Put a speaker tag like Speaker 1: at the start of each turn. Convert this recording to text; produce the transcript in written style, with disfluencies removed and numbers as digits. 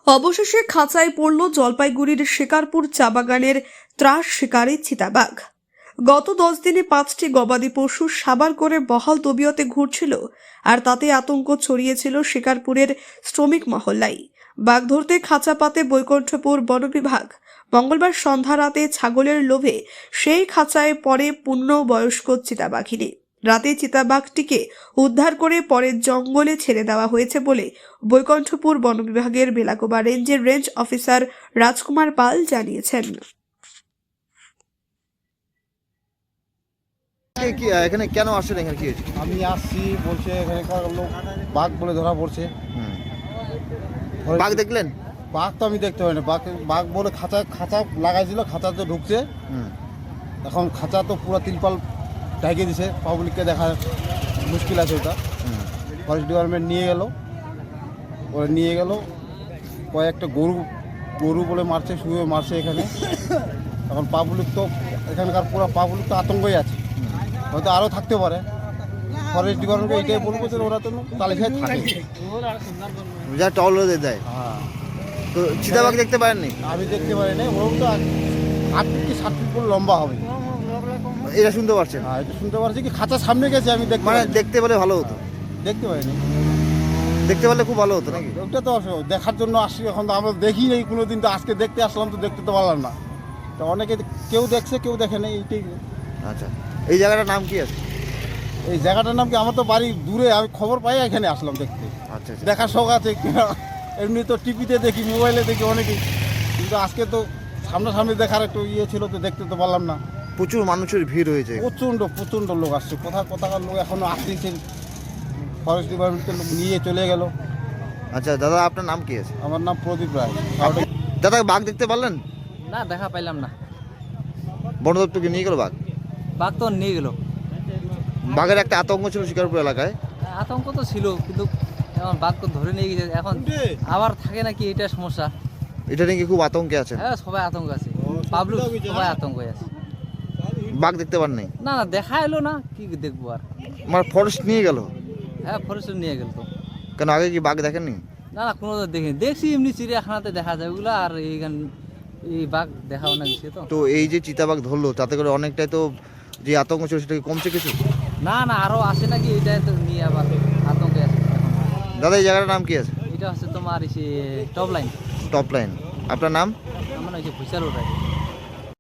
Speaker 1: অবশেষে খাঁচায় পড়ল জলপাইগুড়ির শিকারপুর চা বাগানের ত্রাস শিকারী চিতাবাঘ। গত 10 দিনে 5টি গবাদি পশু সাবার করে বহাল তবিয়তে ঘুরছিল, আর তাতে আতঙ্ক ছড়িয়েছিল শিকারপুরের শ্রমিক মহল্লায়। বাঘ ধরতে খাঁচা পাতে বৈকুণ্ঠপুর বন বিভাগ। মঙ্গলবার সন্ধ্যা রাতে ছাগলের লোভে সেই খাঁচায় পড়ে পূর্ণবয়স্ক চিতাবাঘিনী। রাতে চিতাবাঘটিকে উদ্ধার করে পরে জঙ্গলে ছেড়ে দেওয়া হয়েছে বলে বৈকুণ্ঠপুর বন বিভাগের বেলাগোবা রেঞ্জের রেঞ্জ অফিসার রাজকুমার পাল জানিয়েছেন।
Speaker 2: কি এখানে কেন আসছেন? এখানে কি হয়েছে?
Speaker 3: আমি আসছি বলছে এখানকার লোক বাঘ বলে ধরা পড়ছে।
Speaker 2: বাঘ দেখলেন?
Speaker 3: বাঘ তো আমি দেখতে পাই না, বাঘ বলে খাঁচা লাগাইছিল, খাঁচাতে ঢুকছে। এখন খাঁচা তো পুরো তিরপাল ঢেকে দিছে, পাবলিককে দেখা মুশকিল আছে। ওটা ফরেস্ট ডিপার্টমেন্ট নিয়ে গেল কয়েকটা গরু বলে মারছে, শুয়ে মারছে এখানে। এখন পাবলিক তো এখানকার পুরো পাবলিক তো আতঙ্কই আছে, হয়তো আরও থাকতে পারে। ফরেস্ট ডিপার্টমেন্টকে এইটাই বলবো যে ওরা তো তালিকায় থাকে,
Speaker 2: যা টল রোদে দেয়।
Speaker 3: হ্যাঁ,
Speaker 2: তো চিতাবাঘ দেখতে পারেননি?
Speaker 3: আমি দেখতে পারি না। ওরকম তো 8 ফিট কি 7 ফিট করে লম্বা হবে।
Speaker 2: এটা শুনতে পাচ্ছেন?
Speaker 3: হ্যাঁ, এটা শুনতে পারছি। কি খাঁচার সামনে গেছে, আমি দেখতে
Speaker 2: মানে দেখতে পেলে ভালো হতো।
Speaker 3: দেখতে পাইনি।
Speaker 2: দেখতে পারলে খুব ভালো হতো নাকি?
Speaker 3: ওটা তো দেখার জন্য আসছি, এখন তো আমরা দেখি নেই কোনো দিন। তো আজকে দেখতে আসলাম, তো দেখতে তো পারলাম না। তো অনেকে কেউ দেখছে, কেউ দেখে নেই, এইটাই।
Speaker 2: আচ্ছা, এই জায়গাটার নাম কি আছে?
Speaker 3: এই জায়গাটার নাম কি? আমার তো বাড়ি দূরে, আমি খবর পাই এখানে আসলাম দেখতে।
Speaker 2: আচ্ছা আচ্ছা।
Speaker 3: দেখার শখ আছে। এমনি তো টিভিতে দেখি, মোবাইলে দেখি অনেকেই, কিন্তু আজকে তো সামনাসামনি দেখার একটু ইয়ে ছিল, তো দেখতে তো পারলাম না।
Speaker 2: প্রচুর মানুষের ভিড় হয়েছে।
Speaker 3: প্রচণ্ড লোক আসছে। কোথাকার লোক এখনো আসতেছে। ফরেস্ট ডিপার্টমেন্টের লোক নিয়ে চলে গেল।
Speaker 2: আচ্ছা দাদা, আপনার নাম কি আছে?
Speaker 3: আমার নাম প্রদীপ রায়।
Speaker 2: দাদা, বাঘ দেখতে পারলেন?
Speaker 4: না, দেখা পাইলাম না।
Speaker 2: বন দপ্তরকে নিয়ে গেল বাঘ?
Speaker 4: বাঘ তো নিয়ে গেল।
Speaker 2: বাঘের একটা আতঙ্ক ছিল শিকারপুর এলাকায়।
Speaker 4: আতঙ্ক তো ছিল, কিন্তু এখন বাঘ তো ধরে নিয়ে গেছে, এখন আবার থাকে নাকি, এটা সমস্যা।
Speaker 2: এটা নিয়ে কি খুব আতঙ্কে আছে?
Speaker 4: হ্যাঁ, সবাই আতঙ্ক আছে, পাবলিক সবাই আতঙ্ক আছে।
Speaker 2: বাঘ দেখতে পাননি?
Speaker 4: না, দেখা এলো না, কি দেখবো আর।
Speaker 2: আমার ফরেস্ট নিয়ে গেল?
Speaker 4: হ্যাঁ, ফরেস্ট নিয়ে গেল তো।
Speaker 2: কেন, আগে কি বাঘ দেখেননি?
Speaker 4: না, কোনো দেখিনি। দেখছি এমনি চিড়িয়াখানাতে দেখা যায় ওগুলো, আর এই বাঘ দেখাও না গেছে তো।
Speaker 2: তো এই যে চিতাবাঘ ধরলো, তাতে করে অনেকটাই তো যে আতঙ্ক ছিল সেটা কি কমছে কিছু?
Speaker 4: না, আরো আসে নাকি, এটাই তো নিয়ে আবার আতঙ্কে আছে এখন।
Speaker 2: দাদা, এই জায়গাটার নাম কি আছে?
Speaker 4: এটা হচ্ছে তোমার টপ লাইন।
Speaker 2: Top line. আপনার নাম?
Speaker 4: আমার হচ্ছে ভুষাল ওটাই।